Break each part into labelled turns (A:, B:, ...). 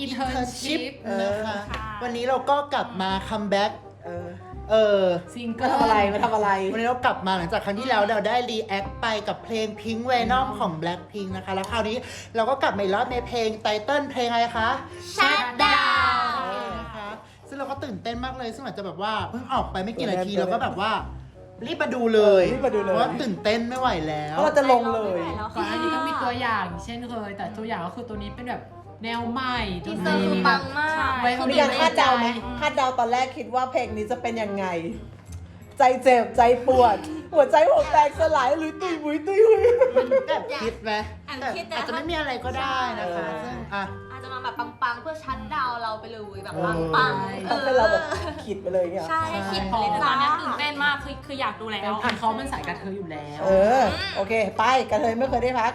A: Internship นะคะวันนี้เราก็กลับมาคัมแบ็ก
B: ซิงเกิลมาทำอะไร
A: วันนี้เรากลับมาหลังจากครั้งที่แล้วเราได้รีแอคไปกับเพลง Pink Venom ของ Blackpink นะคะแล้วคราวนี้เราก็กลับมาอีกรอบในเพลงไตเติ้ลเพลงอะไรคะ
C: Shut Down
A: นะคะซึ่งเราก็ตื่นเต้นมากเลยซึ่งอาจจะแบบว่าเพิ่งออกไปไม่กี่นาทีเราก็แบบว่ารีบมาดูเลยเพราะว่าตื่นเต้นไม่ไหวแล้ว
B: เราจะลงเลย
C: ก่อนหน้านี้ก็มีตัวอย่างเช่นเคยแต่ตัวอย่างก็คือตัวนี้เป็นแบบแนวใหม่ที่เซอร์คือปังมาก
B: มีการคาดเดาไหมคาดเดาตอนแรกคิดว่าเพลงนี้จะเป็นยังไงใจเจ็บใจปวดหัวใจหัวแตกสลายหรือตุยหุยตุยหุย
A: แบบคิดไหมแต่อาจจะไม่มีอะไรก็ได้นะคะซึ่ง
D: อาจจะมาแบบปังๆเพื่อชัดดาวเราไปเลยแบบปังๆ
B: ให้เราแบบคิดไปเลยเนี่ย
D: ใช่คิดไปเลย
C: ตอนนี้ตื่นเต้นมากคืออยากดูแล้วเขามันสายกระเทยอยู่แล้ว
B: โอเคไปกระเทยไม่เคยได้พัก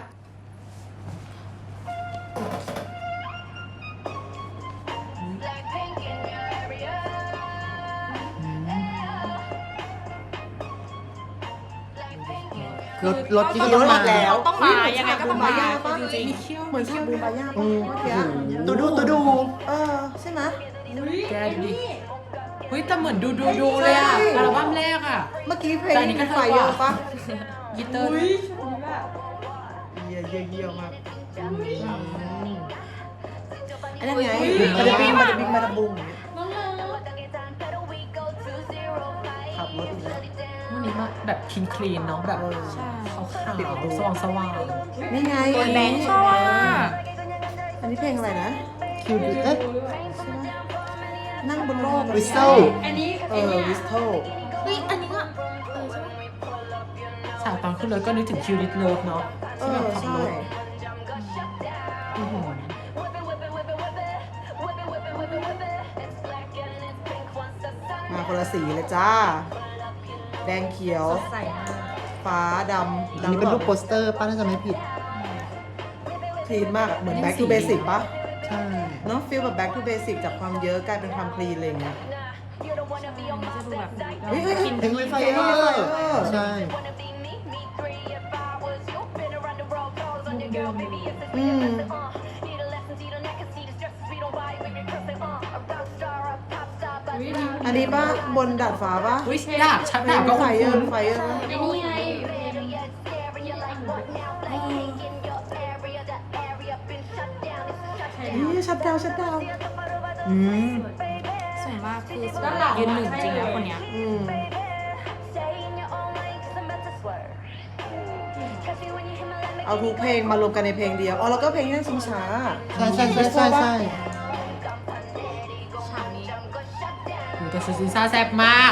A: รถที่เขามา
C: แล้วต้องมายังไงก็ต้องมา
B: จริงๆเหมือนชอบบูบาย่าป่ะเมื่อกี้
A: ตูดู
B: ใช่ไหม
C: แกดูดิเฮ้ยแต่เหมือนดูเลยอ่ะอัลบั้มแรกอ่ะ
B: เมื่อกี้เพลงนี้ไฟเยอะป่ะ
C: กีตาร์
B: เยี่ยมากอันนั้นไงมาดาบุงขับรถอีกแล้ว
C: วันนี้มาแบบคลีนเนาะแบบขาวสว่าง
B: นี่ไง
C: ตัวแบงค์ชอบอ่ะ
B: อันนี้เพลงอะไรนะ
A: คิวดิ
B: นั่งบนโลก
A: วิสโต
C: อันนี้
B: วิสโต
D: อันนี้ก็
C: ฉากตอนขึ้นรถก็นึกถึงคิวดิสเลิฟเนาะที่แบบขับรถ
B: มาคนละสีเลยจ้าแดงเขียวฟ้าดำ
A: อันนี้เป็นรูปโปสเตอร์ป้าน่าจะไม่ผิด
B: คลีนมากเหมือน back to basic ป่ะ
A: ใช่
B: เนาะฟีลแบบ back to basic จากความเยอะกลายเป็นความคลีนอะไรเงี้ย
A: เพลงไฟใช่
B: อันนี้ป่ะบนดาดฟ้าป่ะ
C: ดาดชัดดาดก็
B: ไฟ
D: อัน
B: นี้
D: ไง
B: นี่ชัดดาว
C: สวยมากคือยืนหนึ่งจริงแล้วคนเนี้ย
B: เอาทุกเพลงมารวมกันในเพลงเดียวแล้วก็เพลงนั่งชิงช้า
A: ใช่
C: แต่ซีซ่าแซ่บมาก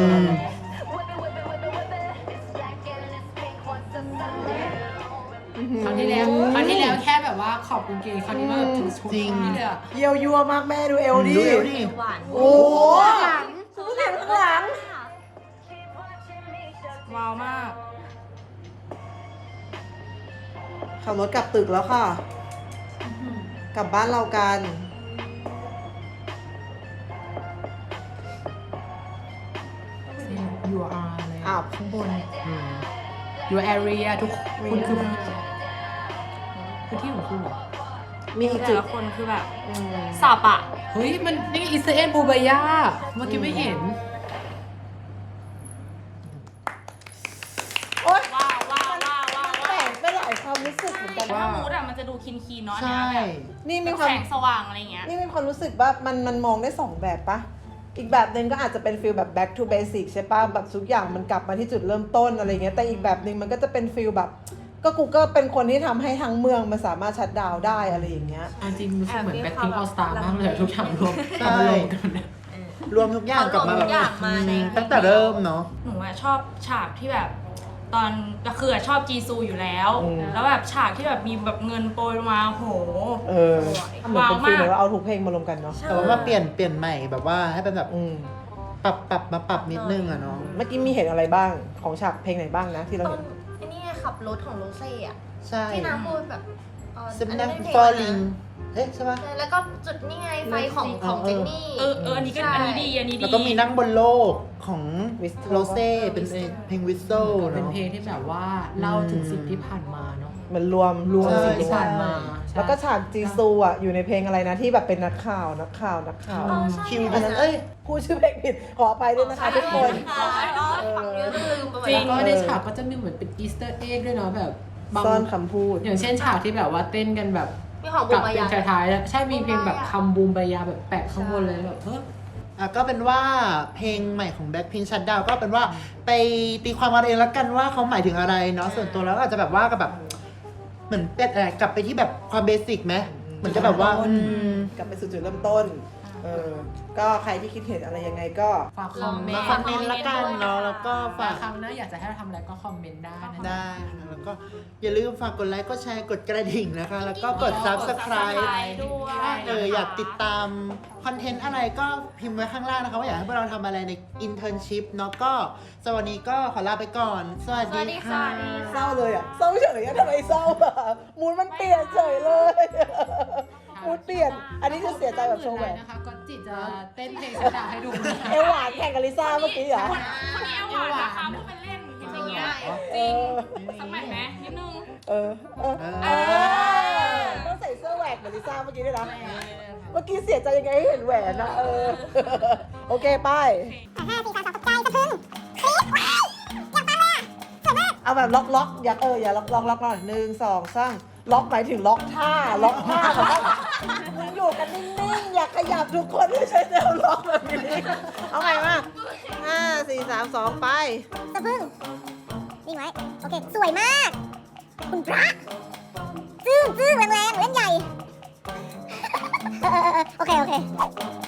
C: ครั้งที่แล้วแค่แบบว่าขอบคุณเกย์ครั้งนี้มาแบบถึงชุดนี่เลยอะ
B: เยี่ยวยั่วมากแม่ดูเอลดิ
D: หวาน
B: โอ้หลัง
C: ว้าวมาก
B: ขับรถกลับตึกแล้วค่ะกลับบ้านเรากัน
C: ยูอาร์เลยข้างบนyour area ทุกคนคือที่ของคุณเหรอ
B: มี
C: แต่ละคนคือแบบสับอ่ะเฮ้ยมันนี่อิสราเอลบูบายาเมื่อกี้ไม่เห็น
B: โอ๊ย
D: ว้าว
B: แต่งไปหลายความรู้สึกเหมือนกัน
D: ว่ามูดอะมันจะดูคีนเนาะเนี่ย
B: นี่มีความ
D: แสงสว่างอะไรเงี้ย
B: นี่มีความรู้สึกว่ามันมองได้2แบบปะอีกแบบนึงก็อาจจะเป็นฟีลแบบ back to basic ใช่ป่ะแบบทุกอย่างมันกลับมาที่จุดเริ่มต้นอะไรเงี้ยแต่อีกแบบนึงมันก็จะเป็นฟีลแบบก็กูก็เป็นคนที่ทำให้ทั้งเมืองมันสามารถชัตดาวน์ได้อะไรอย่างเงี้ย
C: จริงรู้สึกเหมือน Blackpink All Star มากเลยทุกอย่างรวมกัน
A: รวมทุกอย่างกลับมาแบบตั้งแต่เริ่มเนาะ
D: หนูชอบฉากที่แบบตอนก็คือชอบจีซูอยู่แล้วแล้วแบบฉากที่แบบมีแบบเงินโปรยมาโห
B: ว้าวมากเอาทุกเพลงมารวมกันเนาะ
A: แต่ว่าเปลี่ยนใหม่แบบว่าให้เป็นแบบปรับนิดนึงอะเนาะ
B: เมื่อกี้มีเห็นอะไรบ้างของฉากเพลงไหนบ้างนะที่เราเห็น
D: ไอ้นี่ขับรถของโรเซ่อะ
A: ใช่
D: ที่น้ำพูดแบบ
A: สำนัก falling เอ๊ะใช่ปะ
E: แล้วก็จุดนี่ไงไฟของเจนนี่
D: อันนี้ก็อันนี้ดีอันนี้ดี
A: แล้วก็มีนั่งบนโลกของ
B: Whistle
A: โรเซ่เป็นเพลงวิสโซ
C: เป็น
A: เนาะ
C: เพลงที่แบบว่าเล่าถึงสิ่งที่ผ่านมาเนาะ
B: มันรวม
A: ใช่
C: สิ่งที่ผ่านมาใช่
B: แล้วก็ฉากจีซูอ่ะอยู่ในเพลงอะไรนะที่แบบเป็นนักข่าว
A: คิวเป็นเอ้ย
B: พูดชื่อเพลงผิดขออภัยด้วยนะคะทุกคน
E: ลืมไปหมด
C: จริง
E: แล้ว
C: ก็ในฉากก็จะมีเหมือนเป็นอีสเตอร์เอ็กด้วยเนาะแบบบาง
B: ซ่อนคำพูด
C: อย่างเช่นฉากที่แบบว่าเต้นกันแบบ
E: มีของบู
C: กับ
E: มบา
C: เพล
E: ยาง
C: ท้ายๆแล้วใช่มีเพลงแบบคำบูมบายาแบบแปะข้างบนเลยแบบ
A: ก็เป็นว่าเพลงใหม่ของ Blackpink Shutdown ก็เป็นว่าไปตีความกันเองแล้วกันว่าเขาหมายถึงอะไรเนาะส่วนตัวแล้วก็อาจจะแบบว่ากับแบบเหมือนเป็นกลับไปที่แบบความเบสิกไหมเหมือนจะแบบว่าก
B: ลับไปสู่จุดเริ่มต้น ก็ใครที่คิดเห็นอะไรยังไงก็
C: ฝากคอมเมน
A: มา
C: ต์
A: คอมเมนต์ละกันเนาะแล้วก็ฝาก
C: ครั้งหน้าอยากจะให้เราทำอะไรก็คอมเมนต์ได้นะ
A: ได้นะคะแล้วก็อย่าลืมฝากกดไลค์กดแชร์กดกระดิ่งนะคะ แล้วก็กด subscribe
D: ด้วย
A: อยากติดตามคอนเทนต์อะไรก็พิมพ์ไว้ข้างล่างนะคะว่าอยากให้พวกเราทำอะไรใน internship เนาะก็สวัสดีก็ขอลาไปก่อน สวัสดีค่ะ
B: เศร้าเลยอ่ะเศร้าเฉยอะทำไมเศร้าอ่ะมูดมันเปลี่ยนเฉยเลยมูดเปลี่ยน อันนี้คือเสียใจแบบโชว์แหวน
C: นะคะก็จิจะเต้นเพลงสดาให้ดูนะ
B: เอวหวานแข่งกับลิซ่าเมื่อกี้เหรอ
D: คนนี้เอาหวานนะคะพูดเป็นเล่นอย่างเงี้ยจริงสักแมทไหมนิดนึง
B: ต้องใส่เสื้อแหวกเหมือนลิซ่าเมื่อกี้ด้วยนะ เมื่อกี้เสียใจยังไงให้เห็นแหวนนะโอเคไปเอาแบบล็อกอย่าอย่าล็อกหน่อย1 2 3ล็อกหมายถึงล็อกท่าแบบว่ามึงอยู่กันนิ่งๆอย่าขยับทุกคนไม่ใช่แนวล็อกแบบนี้เอาใหม่มา5 4 3 2ไป
F: สะพึ่งนิ่งไว้ โอเค สวยมาก คุณพระจึ้งแรงๆเล่นใหญ่ โอเค